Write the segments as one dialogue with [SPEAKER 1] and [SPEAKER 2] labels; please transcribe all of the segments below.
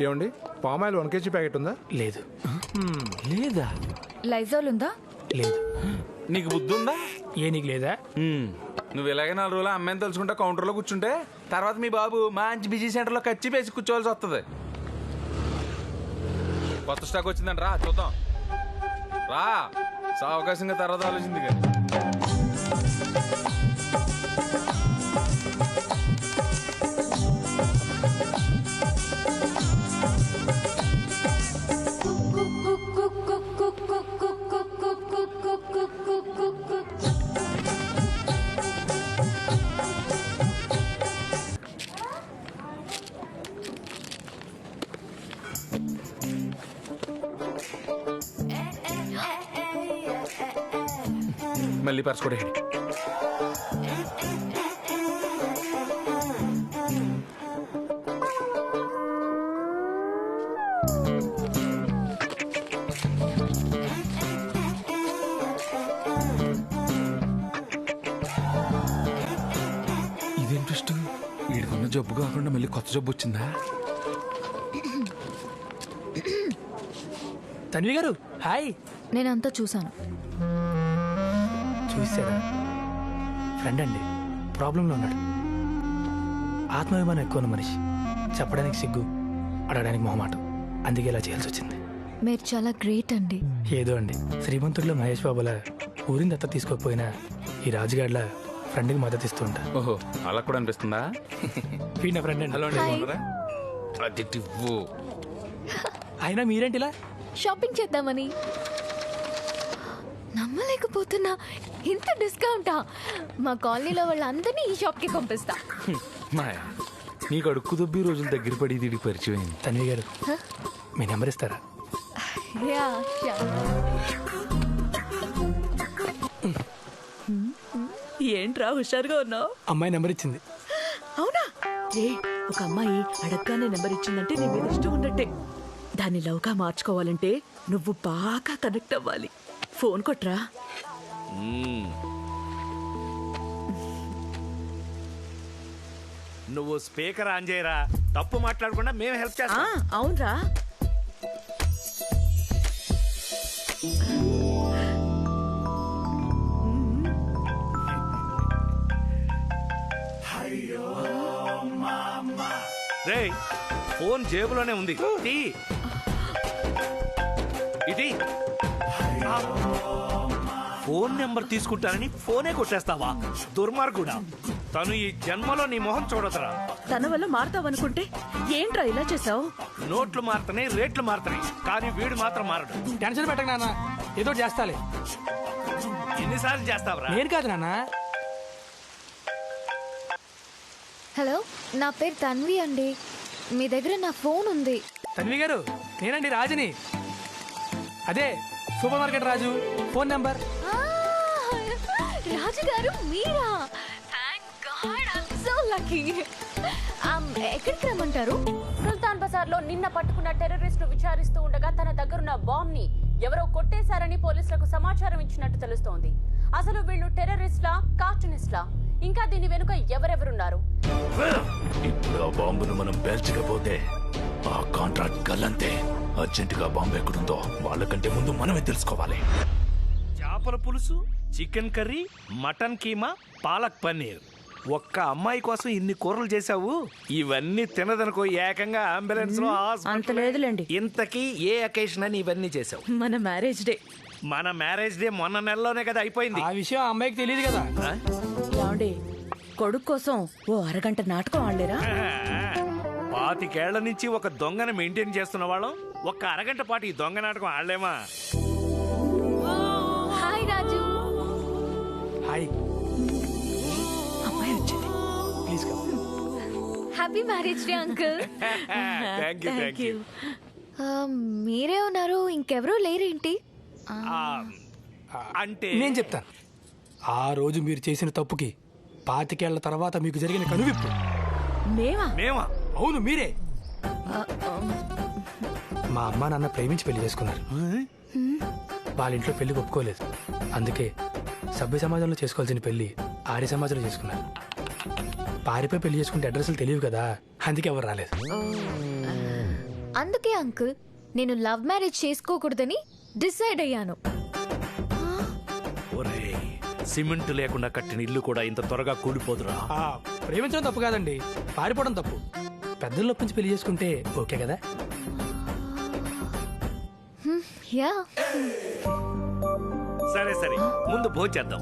[SPEAKER 1] ఏమండి palm oil 1 kg packet ఉందా?
[SPEAKER 2] లేదు.
[SPEAKER 3] లేదా?
[SPEAKER 4] లైజాల్ ఉందా?
[SPEAKER 2] లేదు.
[SPEAKER 3] నీకు బుద్ధి ఉందా?
[SPEAKER 2] నీకు లేదా?
[SPEAKER 3] నువ్వు ఇలాగే 4 రోజులు అమ్మాయిని తెలుసుకుంటా కౌంటర్లో కూర్చుంటే తర్వాత మీ బాబు మంచి బిజీ సెంటర్లో కచ్చి పేసి కూర్చోవాల్సి వస్తుంది. కొత్త స్టాక్ వచ్చిందంట, రా చూద్దాం. రా అవకాశంగా తర్వాత ఆలోచింది కానీ. మళ్ళీ పర్స్ కూడా హెడ్. ఇదేం ట్విస్ట్? వీడికున్న జబ్బు కాకుండా మళ్ళీ కొత్త జబ్బు వచ్చిందా?
[SPEAKER 2] తన్వి గారు హాయ్.
[SPEAKER 4] నేనంతా చూసాను.
[SPEAKER 2] చూసారా? ఫ్రెండ్ అండి, ప్రాబ్లంలో ఉన్నాడు. ఆత్మాభిమానం ఎక్కువ ఉన్న మనిషి. చెప్పడానికి సిగ్గు, అడగడానికి మొహమాటం. అందుకే ఇలా చేయాల్సి వచ్చింది.
[SPEAKER 4] మీరు చాలా గ్రేట్ అండి.
[SPEAKER 2] ఏదో అండి, శ్రీమంతుడిలో మహేష్ బాబులా ఊరిని దత్త తీసుకోకపోయినా ఈ రాజుగాడ్ల ఫ్రెండ్కి మద్దతు ఇస్తూ ఉంటా.
[SPEAKER 3] ఓహో, అలా కూడా అనిపిస్తుందా?
[SPEAKER 2] వీడి నా ఫ్రెండ్ అండి.
[SPEAKER 3] Hello
[SPEAKER 4] Hi.
[SPEAKER 3] అండి.
[SPEAKER 2] అయినా మీరేంటి ఇలా?
[SPEAKER 4] షాపింగ్ చేద్దామని. నమ్మలేకపోతున్నా, ఇంత డిస్కౌంటా? మా కాలనీలో వాళ్ళందరినీ ఈ షాప్కి పంపిస్తా.
[SPEAKER 3] మాయా, నీకు అడుక్కు దొబ్బి రోజులు దగ్గర పడి దీనికి పరిచయం అయింది.
[SPEAKER 2] తన్వి గారు మీ నెంబర్ ఇస్తారా?
[SPEAKER 4] Yeah, yeah.
[SPEAKER 5] ఏంట్రా హుషారుగా ఉన్నావు?
[SPEAKER 2] అమ్మాయి నెంబర్ ఇచ్చింది.
[SPEAKER 5] అవునా? ఒక అమ్మాయి అడగగానే నెంబర్ ఇచ్చిందంటే నీ మీద ఇష్టం ఉన్నట్టే. దాన్ని లవ్గా మార్చుకోవాలంటే నువ్వు బాగా కనెక్ట్ అవ్వాలి. ఫోన్ కొట్రా.
[SPEAKER 6] నువ్వు స్పీకర్ ఆన్ చేయరా. తప్పు మాట్లాడకుండా మేము హెల్ప్ చేస్తాం.
[SPEAKER 5] అవునరా.
[SPEAKER 6] రేయ్, ఫోన్ జేబులోనే ఉంది. ఇది ఫోన్ నెంబర్ తీసుకుంటానని ఫోనే కొట్టేస్తావా? దుర్మార్గుడా. తను ఈ జన్మలో నీ మొహం చూడదురా.
[SPEAKER 5] తన వల్ల మారుతావనుకుంటే ఏంట్రా ఇలా చేసావు?
[SPEAKER 6] నోట్లు మారుతున్నాయి, రేట్లు మారుతున్నాయి, కానీ వీడు మాత్రం మారడు.
[SPEAKER 2] టెన్షన్ పెట్టక నాన్న, ఏదో చేస్తాలే.
[SPEAKER 6] ఎన్నిసార్లు చేస్తావురా?
[SPEAKER 2] నేను కాదు నాన్న.
[SPEAKER 4] హలో, నా పేరు తన్వి అండి. మీ దగ్గర నా ఫోన్ ఉంది.
[SPEAKER 2] తన్వి గారు, నేనండి రాజుని. అదే super market Raju. Phone number.
[SPEAKER 4] Raju గారు మీరా? Thank God, I am so lucky. ఎక్కడికి రమ్మంటారు?
[SPEAKER 7] సుల్తాన్ బజార్ లో నిన్న పట్టుకున్న టెర్రరిస్టు విచారిస్తూ ఉండగా తన దగ్గరున్న బాంబ్ ని ఎవరో కొట్టేశారని పోలీసులకు సమాచారం ఇచ్చినట్టు తెలుస్తోంది. అసలు వీళ్ళు టెర్రరిస్ట్లా, కార్టూనిస్ట్లా? ఇంకా దీని వెనుక ఎవరెవరున్నారు?
[SPEAKER 8] ఇప్పుడు ఆ బాంబును మనం పేల్చకపోతే ఆ కాంట్రాక్ట్ గల్లంతే. అర్జెంటుగా బాంబు ఎక్కడుందో వాళ్ళకంటే ముందు మనమే తెలుసుకోవాలి.
[SPEAKER 6] చేపల పులుసు, chicken curry, mutton keema, palak paneer. ఒక్క అమ్మాయి కోసం ఇన్ని కూరలు చేశావు. ఇవన్నీ తినదనుకో ఏకంగా అంబులెన్స్ లో
[SPEAKER 5] అంత లేదులేండి.
[SPEAKER 6] ఇంతకీ ఏ అకేషన్ అని ఇవన్నీ చేశావు?
[SPEAKER 5] మన మ్యారేజ్ డే.
[SPEAKER 6] మన మ్యారేజ్ డే మొన్న నెలలోనే కదా అయిపోయింది.
[SPEAKER 2] ఆ విషయం ఆ అమ్మాయికి తెలియదు కదా.
[SPEAKER 5] ఏమండి, కొడుకు కోసం ఓ అరగంట నాటకం ఆడలేరా?
[SPEAKER 6] 25 ఏళ్ల నుంచి ఒక దొంగను మెయింటైన్ చేస్తున్న వాళ్ళం ఒక్క అరగంట పాటు ఈ దొంగ నాటకం ఆడలేమా?
[SPEAKER 4] హాయ్ రాజు.
[SPEAKER 2] హాయ్.
[SPEAKER 5] అమ్మాయి వచ్చింది.
[SPEAKER 2] Please come.
[SPEAKER 4] Happy marriage day uncle.
[SPEAKER 6] Thank you.
[SPEAKER 4] మీరే ఉన్నారు, ఇంకెవరూ లేరేంటి?
[SPEAKER 6] అంటే
[SPEAKER 2] నేను చెప్తాను. ఆ రోజు మీరు చేసిన తప్పుకి 25 ఏళ్ల తర్వాత మీకు జరిగిన కనువిప్పు.
[SPEAKER 6] మేమా?
[SPEAKER 2] అవును, మీరే. మా అమ్మ నాన్న ప్రేమించి పెళ్లి చేసుకున్నారు. వాళ్ళ ఇంట్లో పెళ్లి ఒప్పుకోలేదు. అందుకే సభ్య సమాజంలో చేసుకోవాల్సిన పెళ్లి ఆర్య సమాజంలో చేసుకున్నారు. పారిపోయి పెళ్లి చేసుకుంటే అడ్రస్లు తెలియవు కదా, అందుకే ఎవరు రాలేదు.
[SPEAKER 4] అందుకే అంకుల్ నేను లవ్ మ్యారేజ్ చేసుకోకూడదని డిసైడ్ అయ్యాను.
[SPEAKER 6] ఒరేయ్ సిమెంట్ లేకుండా కట్టిన ఇల్లు కూడా ఇంత త్వరగా కూలిపోదురా.
[SPEAKER 2] ప్రేమించడం తప్పు కాదండి, పారిపోవడం తప్పు. పెద్దలు ఒప్పించి పెళ్లి చేసుకుంటే ఓకే కదా.
[SPEAKER 4] యా
[SPEAKER 6] సరే సరే ముందు భోంచేద్దాం.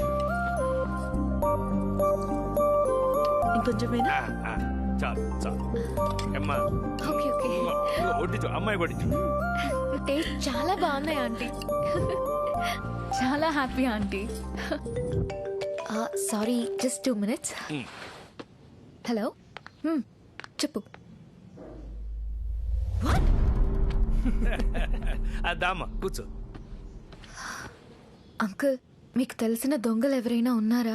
[SPEAKER 5] ఇంకొంచెమేనా?
[SPEAKER 6] చాలు చాలు అమ్మా.
[SPEAKER 4] Okay okay.
[SPEAKER 6] వడ్డించు అమ్మాయి వడ్డించు.
[SPEAKER 4] టేస్ట్ చాలా బాగున్నాయి ఆంటీ. చాలా happy aunty. Sorry just 2 minutes. హలో చెప్పు.
[SPEAKER 6] దామా కూర్చో.
[SPEAKER 4] అంకుల్ మీకు తెలిసిన దొంగలు ఎవరైనా ఉన్నారా?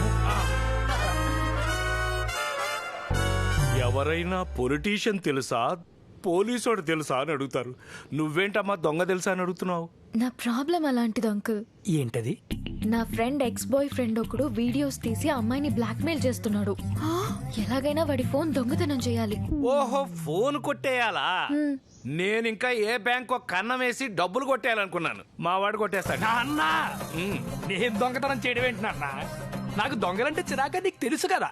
[SPEAKER 6] ఎవరైనా పొలిటీషియన్ తెలుసా పోలీసోడు తెలుసా అని అడుగుతారు. నువ్వేంటమ్మా దొంగ తెలుసా అని అడుగుతున్నావు?
[SPEAKER 4] నా ప్రాబ్లం అలాంటిది అంకుల్.
[SPEAKER 2] ఏంటది?
[SPEAKER 4] నా ఫ్రెండ్ ఎక్స్ బాయ్ ఫ్రెండ్ ఒకడు వీడియోస్ తీసి అమ్మాయిని బ్లాక్మెయిల్ చేస్తున్నాడు. ఎలాగైనా వాడి ఫోన్ దొంగతనం చేయాలి.
[SPEAKER 6] ఓహో ఫోన్ కొట్టేయాలా? నేను ఇంకా ఏ బ్యాంకో కన్నం వేసి డబ్బులు కొట్టేయాలనుకున్నాను. మా వాడు కొట్టేస్తాడు.
[SPEAKER 2] అన్నా నేను దొంగతనం చేయడం ఏంటి నాన్న? నాకు దొంగలంటే చిరాక, నీకు తెలుసు కదా.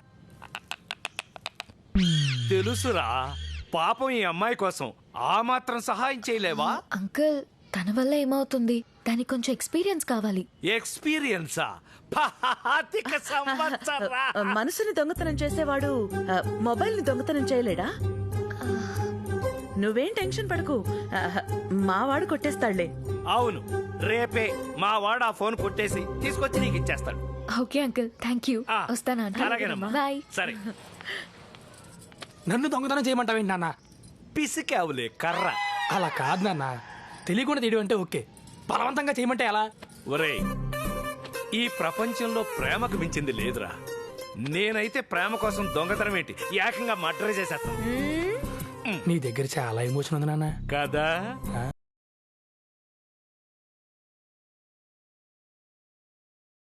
[SPEAKER 6] తెలుసురా, పాపం ఈ అమ్మాయి కోసం ఆ మాత్రం సహాయం చేయలేవా?
[SPEAKER 4] అంకుల్ తన వల్ల ఏమవుతుంది? దానికి కొంచెం ఎక్స్పీరియన్స్ కావాలి.
[SPEAKER 6] ఎక్స్పీరియన్సా? పాతిక సంవత్సరా.
[SPEAKER 5] మనసుని దొంగతనం చేసేవాడు మొబైల్ ని దొంగతనం చేయలేడా? నువ్వేం టెన్షన్ పడకు, మావాడు కొట్టేస్తాడులే.
[SPEAKER 6] అవును, రేపే మా వాడు ఆ ఫోన్ కొట్టేసి తీసుకొచ్చి నీకు ఇచ్చేస్తాడు.
[SPEAKER 4] Okay uncle, thank you.
[SPEAKER 6] ఆ,
[SPEAKER 4] వస్తాను
[SPEAKER 6] అలాగేనమ్మా.
[SPEAKER 4] బాయ్.
[SPEAKER 6] సరే
[SPEAKER 2] నన్ను దొంగతనం చేయమంటావేంటి నాన్న?
[SPEAKER 6] పిసికావులే కర్ర.
[SPEAKER 2] అలా కాదు నాన్న, తెలియకుండా తీయడం అంటే ఓకే, బలవంతంగా చేయమంటే ఎలా?
[SPEAKER 6] ఒరేయ్ ఈ ప్రపంచంలో ప్రేమకు మించింది లేదురా. నేనైతే ప్రేమ కోసం దొంగతనం ఏంటి, ఏకంగా మర్డర్ చేసేస్తాను.
[SPEAKER 2] నీ దగ్గర చాలా ఎమోషన్ ఉంది నాన్న.
[SPEAKER 6] కదా
[SPEAKER 2] ఆ?